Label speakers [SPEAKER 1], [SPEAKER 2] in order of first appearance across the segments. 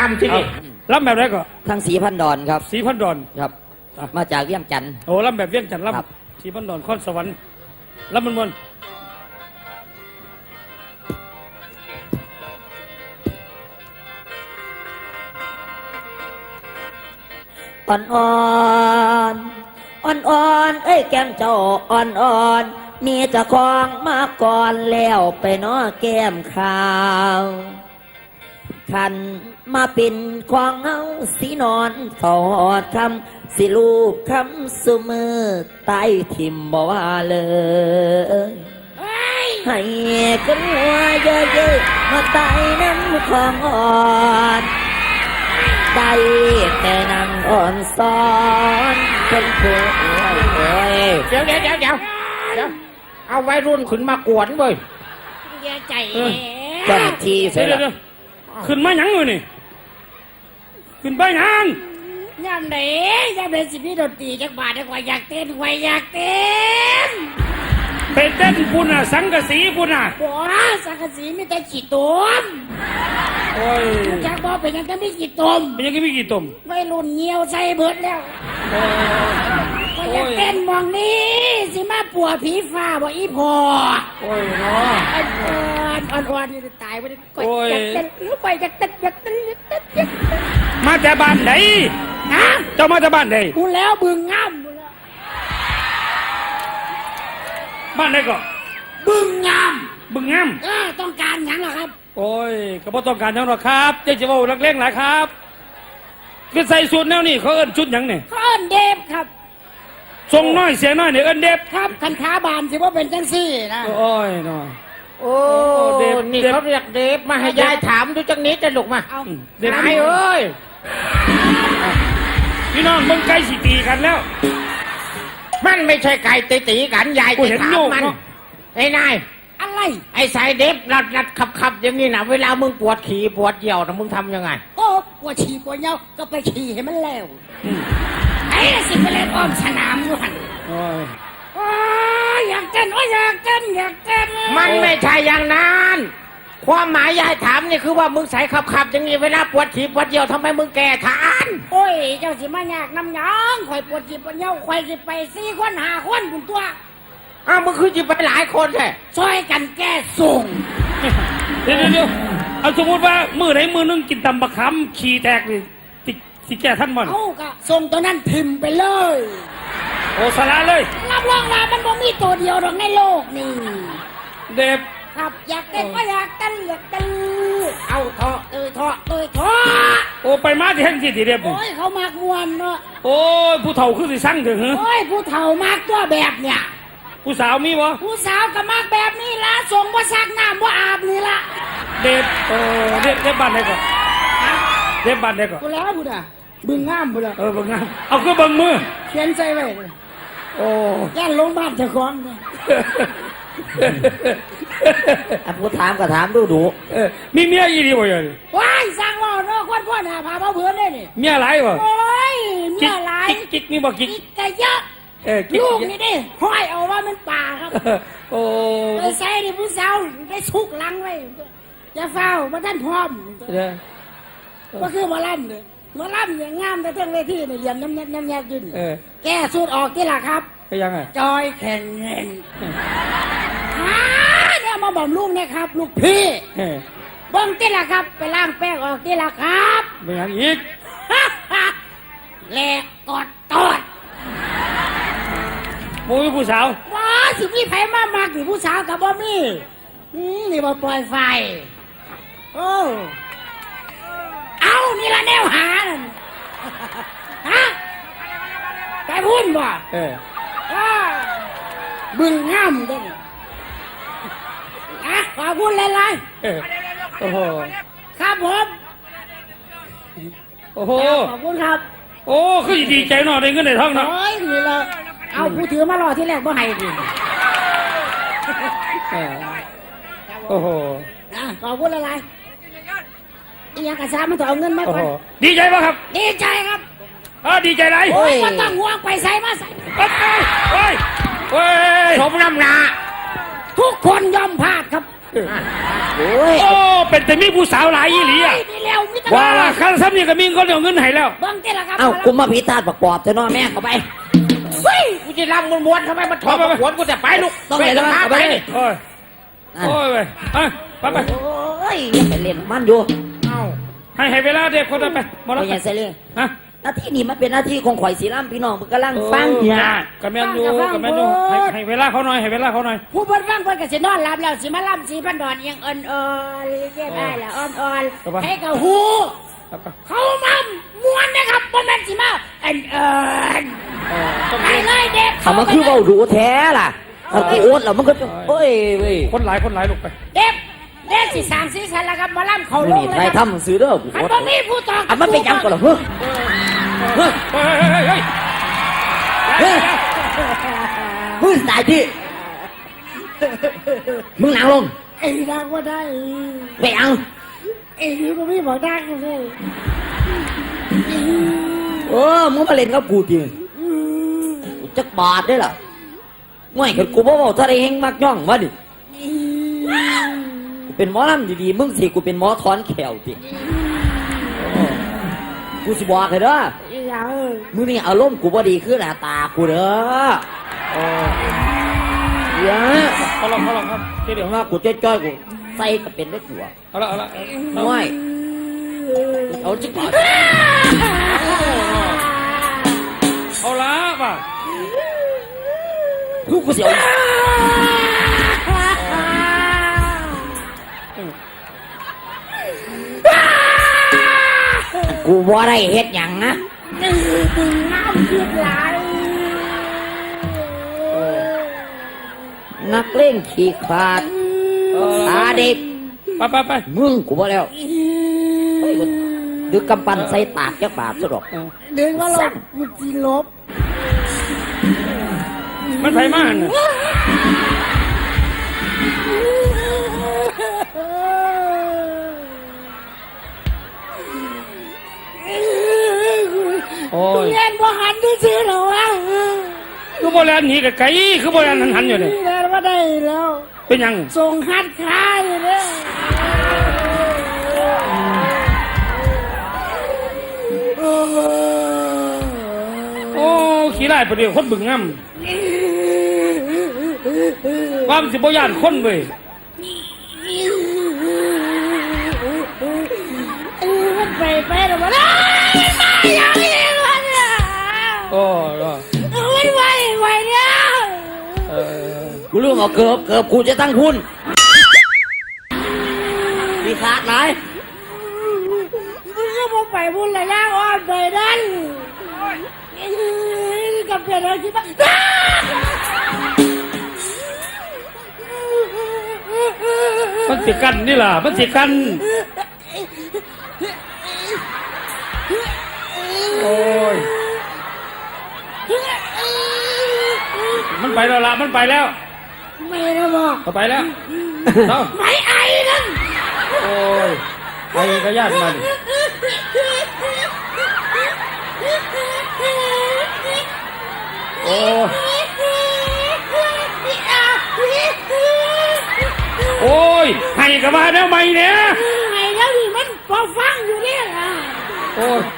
[SPEAKER 1] ลำที่นี่ลำแบบไหนก็
[SPEAKER 2] ทางสีพันดอนครับ
[SPEAKER 1] สีพันดอน
[SPEAKER 2] ครับมาจากเวียงจันทร์
[SPEAKER 1] โอ้ลำแบบเวียงจันทร์ลำสีพันดอนข้อนสวรรค์ลำมัน
[SPEAKER 2] อ่อนอ่อนอ่อนอ่อนเอ้ยแก้มเจ้าอ่อนอ่อนมีเจ้าของมาก่อนแล้วไปน้อแก้มขาวขันมาเป็นของเฮาสีนอนถอดคำสิลูกคำสุมือใต้ทิมบ่ว่าเลยให้กันหัวเยอะๆมาใต้น้ำของอ่อนได้แต่นั่งอ่อนซ้อนเป็นเพื่อน
[SPEAKER 1] เดี๋ยวเอาไว้รุ่นขึ้นมากวนเว้ย
[SPEAKER 3] ใจ
[SPEAKER 2] เจ้าที่เสร็จแล้ว
[SPEAKER 1] ขึ้นมาหยังเลยนี่ขึ้นไปหยัง
[SPEAKER 3] ยามไหนสิพี่ดนตรีจักบาทจักว่าอยากเต้น
[SPEAKER 1] ไปเต้นปุ่นอ่ะสังกะสีปุ่นอ่ะ
[SPEAKER 3] บ่สังกะสีมีแต่ขี้ตุ่ม
[SPEAKER 1] โอ้ย
[SPEAKER 3] จักบ่เป็นยังก็มีขี้ตุ่ม
[SPEAKER 1] เป็นยังก็มีขี้ตุ่ม
[SPEAKER 3] วัยรุ่นเหี่ยวใส่เบิดแล้วก็อยากเต้นมองนี้สิมาปัวผีฟ้าบ่อีพอ
[SPEAKER 1] โอ้ยเนาะ
[SPEAKER 3] อ่อนนี่ตายบ่ได้ก่อยอยากเต้นก่อยอยากเต้น
[SPEAKER 1] มาแต่บ้านไหน
[SPEAKER 3] ฮะ
[SPEAKER 1] เจ้ามาแต่บ้านไหน
[SPEAKER 3] กูแล้วบึงงาม
[SPEAKER 1] บ้านไหนก็
[SPEAKER 3] บึงงามต้องการหยังล่ะครับ
[SPEAKER 1] โอ้ยก็บ่ต้องการหยังหรอกครับเจ๊จะว่านักเลงหลายครับคือใส่ชุดแนวนี้เขาเอิ้นชุดหยังเนี่ย
[SPEAKER 3] เขาเอิ้นเดฟครับ
[SPEAKER 1] ทรงน้อยเสียน้อยเนี่ยเอิ้นเดฟ
[SPEAKER 3] ครับคันขาบานสิว่าเป็นจังซี่นะ
[SPEAKER 1] โอ้ยเนาะ
[SPEAKER 2] โอ้เดฟนี่เขาเรียกเดฟมาให้ยายถามดูจังนี้จะลุกมา
[SPEAKER 1] เดฟเอ้ยพี่น้องมึงใกล้สิตีกันแล้ว
[SPEAKER 2] มันไม่ใช่ไก่ตีกันยายจะถามมันไอ้นาย
[SPEAKER 3] อะไร
[SPEAKER 2] ไอ้สายเดฟรัดขับอย่างนี้นะเวลามึงปวดขี่ปวดเยี่ยวนะมึงทำยังไง
[SPEAKER 3] โอ้ปวดฉี่ปวดเยี่ยวก็ไปฉี่ให้มันแล้วไอ้สิไปเล่นอ้อมสนามอยู่หันอยากเต้นอยากเต้น
[SPEAKER 2] มันไม่ใช่อย่างนั้นความหมายยายถามนี่คือว่ามึงใส่ขับอย่างนี้เวลาปวดฉี่ปวดเยี่ยวทำไมมึงแก่ทาน
[SPEAKER 3] โอ้ยเจ้าสิมาอยากน้ำหยองข่อยปวดฉี่ปวดเยี่ยวข่อยสิไป4 คน5 คนคุณตัว
[SPEAKER 2] มึงคือจะไปหลายคนแท้
[SPEAKER 3] ช่วยกันแก้ส่ง
[SPEAKER 1] เดี๋ยวเอาสมมติว่ามือไหนมือนึงกินตำบะคำขี่แตกเลยสิแก้ท่านมัน
[SPEAKER 3] เอาก็ส่งตัวนั้นทิมไปเลย
[SPEAKER 1] โอ้สาระเลย
[SPEAKER 3] รับรองว่ามันบ่มีตัวเดียวหรอกในโลกนี่
[SPEAKER 1] เด็บ
[SPEAKER 3] ครับอยากเต้นก็อยากเต้นเอาเถาะ
[SPEAKER 1] โอ้ไปมาที่แห่งที่เด็บ
[SPEAKER 3] โอ้ยเขามากมวนเนาะ
[SPEAKER 1] โอ้ยผู้เฒ่าคือสิสั่งถึงเหรอ
[SPEAKER 3] โอ้ยผู้เฒ่ามากตัวแบบเนี่ย
[SPEAKER 1] ผู้สาวมีวะ
[SPEAKER 3] ผู้สาวก็มากแบบนี้ละส่งว่าซักน้ำว่าอาบนี่ละ
[SPEAKER 1] เด็บเด็บบ้านไหนก่อนเด็บบ้านไหนก่อน
[SPEAKER 3] กูแล้วบุญบึงงามบุญ
[SPEAKER 1] บึงงามเอาคือบึงมือ
[SPEAKER 3] เขียนใจไว้
[SPEAKER 1] โอ้
[SPEAKER 3] ย่านลงบ้านเจ้าของ
[SPEAKER 2] ผู้ถามก็ถามดู
[SPEAKER 1] มีเมียอีดีบ่ยัง
[SPEAKER 3] ว้ายสร้างว่าเนาะคนพ่อหน้าพาเพื่อนได้นี่
[SPEAKER 1] เมียหลายบ่
[SPEAKER 3] โอ้ยเมียหลาย
[SPEAKER 1] กิ๊กมีบ่กิ๊ก
[SPEAKER 3] ก็เยอะลูกนี่ดิห้อยเอาว่ามันป่าครับ
[SPEAKER 1] โอ้
[SPEAKER 3] ไปใส่ดิผู้สาวได้ชุกลังไว้จะเฝ้ามาท่านพร้อมก็คือมาล่ำเลยมาล่ำอย่างงามแต่เท่งเวทีเนี่ยยังน้ำยืนแก้สูตรออกที่ละครับ
[SPEAKER 1] ยังไง
[SPEAKER 3] จอยแข่งเงินเนี่ยมาบอกลูกนะครับลูกพี่เบิ้งที่ละครับไปล้างแป้งออกที่ละครับ
[SPEAKER 1] เป็นอย่างอีก
[SPEAKER 3] แหลกกอดตอด
[SPEAKER 1] มูผู้สาว
[SPEAKER 3] ว้าสิพี่ไผ่มากๆสิผู้สาวกับบ่มีนี่มาปล่อยไฟโอ้เอานี่ละแนวหาฮะไปพูดบ่บึงงามด้วยขอพูดเลย
[SPEAKER 1] โอ้โห
[SPEAKER 3] ครับผม
[SPEAKER 1] โอ้โห
[SPEAKER 3] ขอบคุณครับ
[SPEAKER 1] โอ้คือดีใจหน่อยได้เงินในท้องเนาะ
[SPEAKER 3] โอ้ยนี่ละเอาผู้ถือมารอที่แรกบ่ให้ดิ
[SPEAKER 1] โอ้โห
[SPEAKER 3] ขอบคุณอะไรอีหยังกระซ่ามันต้องเอาเงินมาก่อน
[SPEAKER 1] ดีใจป่ะครับ
[SPEAKER 3] ดีใจครับ
[SPEAKER 1] ดีใจไหน
[SPEAKER 3] โอ้ยก็ต้องห่วงไปใส่มาใส่
[SPEAKER 1] โอ้ย
[SPEAKER 2] สมน้ำหนา
[SPEAKER 3] ทุกคนยอมพลาดครับ
[SPEAKER 1] โอ้เป็นแต่มีผู้สาวหลายยี่หลีอ่ะ
[SPEAKER 3] มีแล้วมิตร
[SPEAKER 1] ว่าละคันซ้ำนี่ก็มีคนเอาเงินให้แล้ว
[SPEAKER 3] เบิ่งเจ้ละครับ
[SPEAKER 2] เอ้ากูมาพิธาตประกอบเถอะเนาะแม่เข้าไป
[SPEAKER 3] เฮ้ยกูจะรำม้วนๆทำไมมันถอดหัวกูจะไปลูก
[SPEAKER 2] ต้องเลยนะเอาไปเลย
[SPEAKER 1] โอ้ย
[SPEAKER 2] นั่น
[SPEAKER 1] โอ้ยไปไป
[SPEAKER 2] โอ้ยอย่าไปเล่นมันอยู่
[SPEAKER 3] เอ้า
[SPEAKER 1] ให้เวลาเด็กคนนั้นไปหมด
[SPEAKER 2] ไม่
[SPEAKER 1] แล้ว
[SPEAKER 2] ใช่เสลี
[SPEAKER 1] ฮะ
[SPEAKER 2] หน้าที่นี้มันเป็นหน้าที่ของข่อยสีล่ำพี่น้องมันกำลังฟังเนี่ย
[SPEAKER 1] กระแมนอยู่ให้เวลาเขาหน่อยให้เวลาเขาหน่อย
[SPEAKER 3] ผู้เพิ่นฟังเพิ่นก็สินอนหลับแล้วสิมาล่ำสิพันดอนยังอ่อนๆเรียบได้แล้วอ่อนๆให้กับหูเขามาม้วนนะครับบ่แม่นสิมาไปเลยเด็ก
[SPEAKER 2] เขามาคือเบาดูแท้ล่ะเอากูโอ๊ตแล้วมันก็เอ้ยเว้ย
[SPEAKER 1] คนหลายลูกไป
[SPEAKER 3] เด็กสิสร้างสีสันแล้วครับมาล่ำเขาล
[SPEAKER 2] นี่
[SPEAKER 3] งเลย
[SPEAKER 2] ใคร
[SPEAKER 3] ครับ
[SPEAKER 2] ทำซื้อเด้อกู
[SPEAKER 3] อัน
[SPEAKER 2] โอ๊ต
[SPEAKER 3] บ่มีผู้ตอง
[SPEAKER 2] อ่ะมันเป็นยังก่อนเหรอเฮ้ยเฮ้ย
[SPEAKER 1] เฮ้ย
[SPEAKER 2] มึงตายที่มึงนั่งลง
[SPEAKER 3] ไอ้ดังว่าได้
[SPEAKER 2] ไปเอา
[SPEAKER 3] ไอ้นี่บ่มีบอกดังเลย
[SPEAKER 2] มึงมาเล่นกับกูจริงกูจักบาทได้ล่ะง่วยขึ้นกูบ่บอกถ้าได้เฮงมักย่องมาดิกูเป็นหมอลำดีๆมึงสิกูเป็นหมอถอนแขวจิกูสิบอกเลยเด้อ
[SPEAKER 3] ไอ้ยัง
[SPEAKER 2] มึงนี่อารมณ์กูบ่ดีคือหน้าตากูเด้อเดี๋ยว
[SPEAKER 1] เขาลองครับเดี๋ยว
[SPEAKER 2] ว่ากูจ้อยๆกูใส่ก็เป็นได้กูอ่ะ
[SPEAKER 1] เอาละ
[SPEAKER 2] ง่วยเอาจักบาท
[SPEAKER 1] เอาละป่ะ
[SPEAKER 2] กูเสียวกูบ่ได้เฮ็ดหยังนะ
[SPEAKER 3] น้ำคือไหล
[SPEAKER 2] นักเล่นขี้ขาดตาเด็ก
[SPEAKER 1] ไป
[SPEAKER 2] มึงกูบ่แล้วเฮ้ยกูดึกกำปั้นใส่ตากจักบาทซะดอก
[SPEAKER 3] เดินว่าลบมันจีลบ
[SPEAKER 1] มันไผมาน่ะ โอ้ย
[SPEAKER 3] เล่นบ่หันที่ซื้อหรอวะ
[SPEAKER 1] คือโบราณหนีกับไก่คือโบราณหันอยู่เนี่ย
[SPEAKER 3] เล่นว่าได้แล้ว
[SPEAKER 1] เป็นยัง
[SPEAKER 3] ส่งหัดขายเลย
[SPEAKER 1] โอ้ขี้ไล่ประเดี๋ยวคนบึงงำความสิบย่านคนเว้ย
[SPEAKER 3] มันไปหรอวะนะมันมาอย่างนี้วะเนี่ย
[SPEAKER 1] โอ้ย
[SPEAKER 3] มันไหวเนี่ย
[SPEAKER 2] กูเรื่องเอาเกือบกูจะตั้งคุณมีขาดไหน
[SPEAKER 3] มึงก็มาไปบุญระยะอ่อนไปนั่นกับเพื่อนเราคิดว่า
[SPEAKER 1] มันสิกันนี่ล่ะมันสิกันโอ้ยมันไปแล้วล่ะมันไปแล้ว
[SPEAKER 3] ไม่นะบอก
[SPEAKER 1] ไปแล้วเอ้า
[SPEAKER 3] ไม่ไอ้นั่น
[SPEAKER 1] โอ้ยไปก็ญาติมัน โอ้โอ้ยให้กับมาแล้วไหมเนี่ย
[SPEAKER 3] ไอ้แล้วนี่มันพอฟังอยู่เนี่ย
[SPEAKER 1] โอ้ย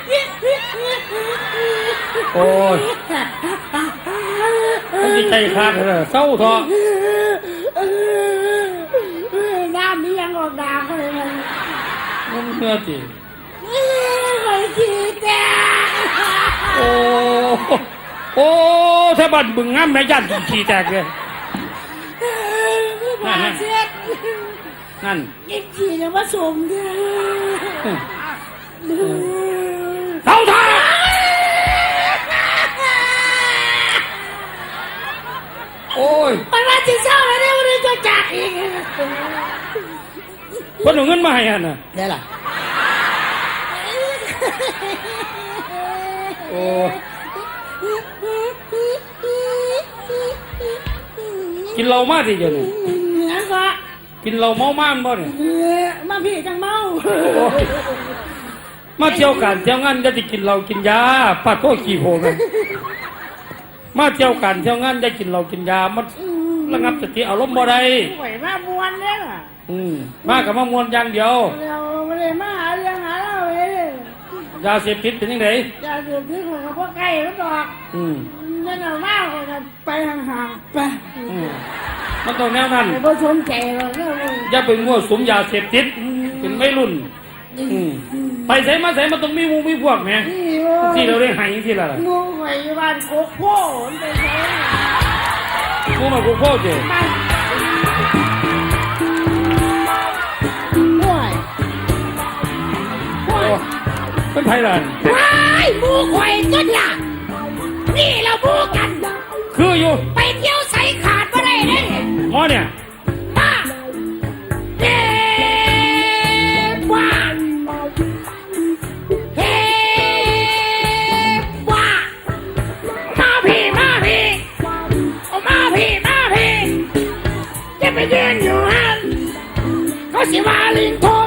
[SPEAKER 1] โอ้ยมันจิตใจขาดเลยเศร้าท้อ
[SPEAKER 3] น้ำนี่ยังออกดาเลยมัน
[SPEAKER 1] มันเมื่อจี
[SPEAKER 3] ไอ้ขี้แก่
[SPEAKER 1] โอ้โอ้ถ้าบัดบึงงามแม่ยันขี้แตกเลย
[SPEAKER 3] มาเช็ด
[SPEAKER 1] นั่น
[SPEAKER 3] กินขี้เนี่ยมาสมเด้อ
[SPEAKER 1] เศร้าท้อโอ้ย
[SPEAKER 3] มันมาที่เศร้าแล้วเนี่ยมันจะจัดอีก
[SPEAKER 1] คนเอาเงินมาให้อ่ะน่ะ
[SPEAKER 2] ได้ล่ะ
[SPEAKER 1] โอ้กินเหล้ามาสิเดี๋ยวนี้
[SPEAKER 3] งั้นก็
[SPEAKER 1] กินเหล้าเมามากบ่เนี่ย
[SPEAKER 3] มาพี่จังเมา
[SPEAKER 1] โอ้ยมาเที่ยวกันเที่ยวงานจะกินเหล้ากินยาปัดพวกขี้โพงเลยมาเที่ยวกันเที่ยวงานจะกินเหล้ากินยามันระงับสติอารมณ์บ่ได้
[SPEAKER 3] ไหวมามวนเนี่ย
[SPEAKER 1] มากับมามวนอย่างเดียว
[SPEAKER 3] เราไม่ได้มาหาเ
[SPEAKER 1] ยาเสพติดเป็นยังไง
[SPEAKER 3] อย่าดูที่ของพวกไก่แล้วดอก
[SPEAKER 1] อืม
[SPEAKER 3] นั่นเอามากเลยไปห่างๆไป
[SPEAKER 1] อืมมันต้องแนวนั้น
[SPEAKER 3] ไปบ่สนใจหรอกเนี่ยเลย
[SPEAKER 1] อย่าไปมั่วสุมยาเสพติดเป็นไม่รุ่น อืมไปใส่มาใส่มันต้องมีหมูมีพวกแหม
[SPEAKER 3] นี่โอ้
[SPEAKER 1] ที่เราได้ใหายที่ละล่ะ
[SPEAKER 3] งูไข่บ้านโคกโพ่มันไปใช้
[SPEAKER 1] หมูมากูโคตรเจ๋
[SPEAKER 3] บ้านห่วยห่วย
[SPEAKER 1] เป็นไทยล่ะ
[SPEAKER 3] ว้ายหมูไข่ต้นล่ะนี่เราหมูกัน
[SPEAKER 1] คืออยู่
[SPEAKER 3] ไปเที่ยวใส่ขาดมาได้เลย
[SPEAKER 1] หมอเนี่ย
[SPEAKER 3] มาเฮ้ว่าเฮ้ว่ามาพี่มาพี่เอามาพี่มาพี่จะไปยืนอยู่ฮันเขาสิว่าลิงทน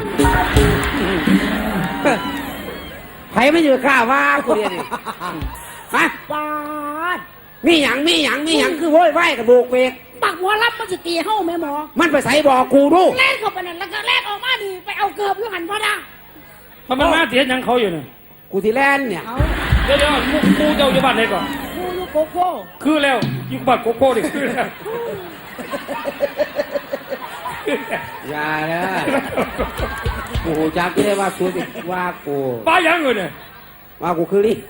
[SPEAKER 4] ไผไม่อยู่ข้าว่ากูเรียนนี่ฮะ
[SPEAKER 3] ปาด
[SPEAKER 4] มีหยังคือโว้ยไหวกับโบกเวก
[SPEAKER 3] ปักหัวรับมันจะตีเฮ้าแม่หมอ
[SPEAKER 4] มันไปใส่บอกกูดู
[SPEAKER 3] แล่นเข้าไปนั่นแล้วก็แล่นออกมาดีไปเอาเกือบอยู่หันพอดา
[SPEAKER 1] มันมาเสียยังเขาอยู่เนี่ย
[SPEAKER 4] กูที่แลนเนี่ย
[SPEAKER 3] เอา
[SPEAKER 1] เดี๋ยวหมูเจ้าอยู่บ้านไหนก่อน
[SPEAKER 3] คูลูกโกโก้
[SPEAKER 1] คือแล้วอยู่บ้านโกโก้ดิคือแล้ว
[SPEAKER 4] อย่าเลยกูหูจักที่ได้ว่ากูติว่ากู
[SPEAKER 1] ป้ายังอยู่เนี่ย
[SPEAKER 4] ว่ากูคือลิง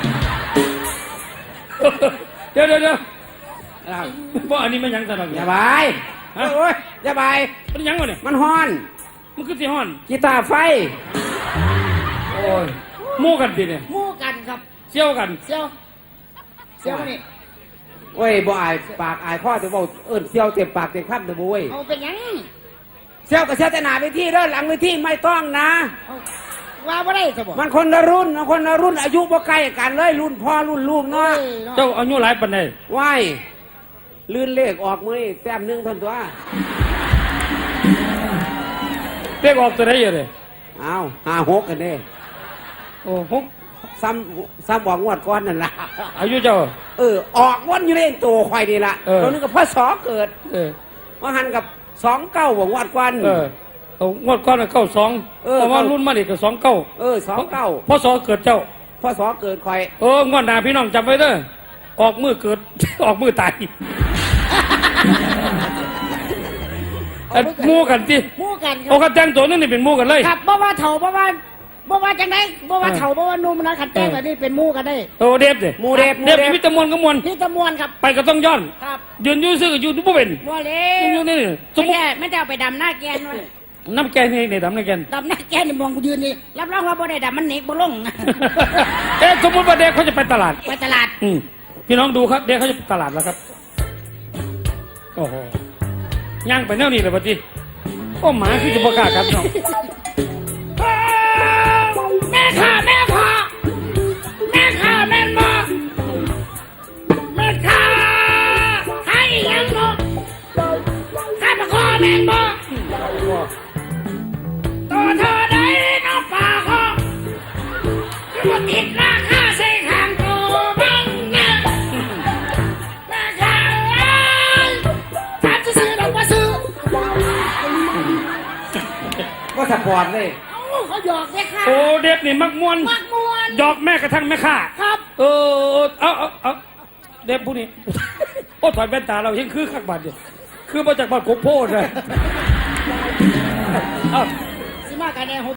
[SPEAKER 1] เดี๋ยว
[SPEAKER 4] อ้าว
[SPEAKER 1] เพราะอันนี้มันยังสนับ
[SPEAKER 4] อย่าบายโอ้ยอย่าบาย
[SPEAKER 1] มันยังวะเนี่ย
[SPEAKER 4] มันฮ้อน
[SPEAKER 1] มันคือสิฮ้อน
[SPEAKER 4] กีตาร์ไฟ
[SPEAKER 1] โอ้ยหมู่กันดิเนี่ย
[SPEAKER 3] หมู่กันครับ
[SPEAKER 1] เชี่ยวกัน
[SPEAKER 3] เซียวเซียวมานี่
[SPEAKER 4] โอ้ยบ่อายปากอายข้อจะบอกเอิ้นเซียวเต็มปากเต็มคำแต่บุ้ย
[SPEAKER 3] เอาเป็นหยัง
[SPEAKER 4] เซียวกับเซียวแต่หนาไปที่เด้อหลังไปที่ไม่ต้องนะ
[SPEAKER 3] เอาว่าบ่ได้สบ
[SPEAKER 4] มันคนละรุ่นอายุบ่ใกล้กันเลยรุ่นพ่อรุ่นลูกเนาะ
[SPEAKER 1] เจ้าอายุหลายปานใด
[SPEAKER 4] ว้ายลื่นเลขออกมือนี่แต้มหนึงเท่านตัว
[SPEAKER 1] เรียกออกตัวไหนอยู่เลย
[SPEAKER 4] อ้าว56กันเด้
[SPEAKER 1] โอ้หก
[SPEAKER 4] ซ้ำบอกงวดก้อนนั่นล่ะ
[SPEAKER 1] อายุเจ้า
[SPEAKER 4] ออกวันอยู่เล่นตัวควายนี่ล่ะ
[SPEAKER 1] เออ
[SPEAKER 4] ตัวนึงกับพ่อสอเกิด
[SPEAKER 1] เออ
[SPEAKER 4] ว่าหันกับ29บอกงวดก้อน
[SPEAKER 1] เออเอางวดก้อนเก้าสอง
[SPEAKER 4] เออ
[SPEAKER 1] เพราะว่ารุ่นมาเด็กก็29
[SPEAKER 4] 29
[SPEAKER 1] พศเกิดเจ้า
[SPEAKER 4] พ่อสอเกิดควาย
[SPEAKER 1] งวดหน้าพี่น้องจำไว้เด้อออกมือเกิด ออกมือตายอันหมู่กันสิ
[SPEAKER 3] หมู่กันค
[SPEAKER 1] โอ้
[SPEAKER 3] รับ
[SPEAKER 1] กันแต่งตัวนึงนี่เป็นหมู่กันเลย
[SPEAKER 3] ครับบ่ว่าเฒ่าบ่ว่าจังไดบ่ว่าเฒ่าบ่ว่าหนุ่มนะขันแจ้งแบบนี้เป็นหมู่กันได้
[SPEAKER 1] โตเดฟเด้
[SPEAKER 4] หมูเดฟ
[SPEAKER 1] เดฟมีแตะมวนก็มวน
[SPEAKER 3] นี่ตะมวนครับ
[SPEAKER 1] ไปก็ต้องย้อน
[SPEAKER 3] ครับ
[SPEAKER 1] ยืนอยู่ซื่ออยู่บ่เป็น
[SPEAKER 3] บ่เล
[SPEAKER 1] ยืนอยู่นี่สมมุติ
[SPEAKER 3] ไม่ได้เอาไปดำหน้าแกนไว้
[SPEAKER 1] น้ำแกงนี่ในดำน้ำแกง
[SPEAKER 3] ดำหน้าแกนนี่มองกูยืนนี่รับรองว่าบ่ได้ดำมันหนีบ่ลง
[SPEAKER 1] สมมติว่าเด็กเขาจะไปตลาด
[SPEAKER 3] ไปตลาด
[SPEAKER 1] พี่น้องดูครับ เด็กเขาจะไปตลาดแล้วครับโอ้โหย่างไปแนวนี้เลยปะจีโอ้หมาคือจะประกล้าศครับน้อง
[SPEAKER 3] แม่ข้าแม่พ่อแม่ข้าแม่หมอแม่ข้าให้ยังบ่ข้ามาขอแม่บ่ตัวเธอได้น้องป่าขอคือว่าติดราคาใส่ข้างตัวบังนะแม่ข้าถามซื้อๆดอกว่าซื้อ
[SPEAKER 4] ก็สปอร์ตเลย
[SPEAKER 3] เอ้าเขาหยอกแม่ข้า
[SPEAKER 1] โอ้เด็กนี่มักมวน
[SPEAKER 3] มักมวน
[SPEAKER 1] หยอกแม่กระทั่งแม่ข้า
[SPEAKER 3] ครับ
[SPEAKER 1] เอาเด็กผู้นี้ โอ้ถอดแว่นตาเรายังคือขักบาดอยู่คือมาจากบ้านโคกโพดเลย
[SPEAKER 3] สิมากันแน่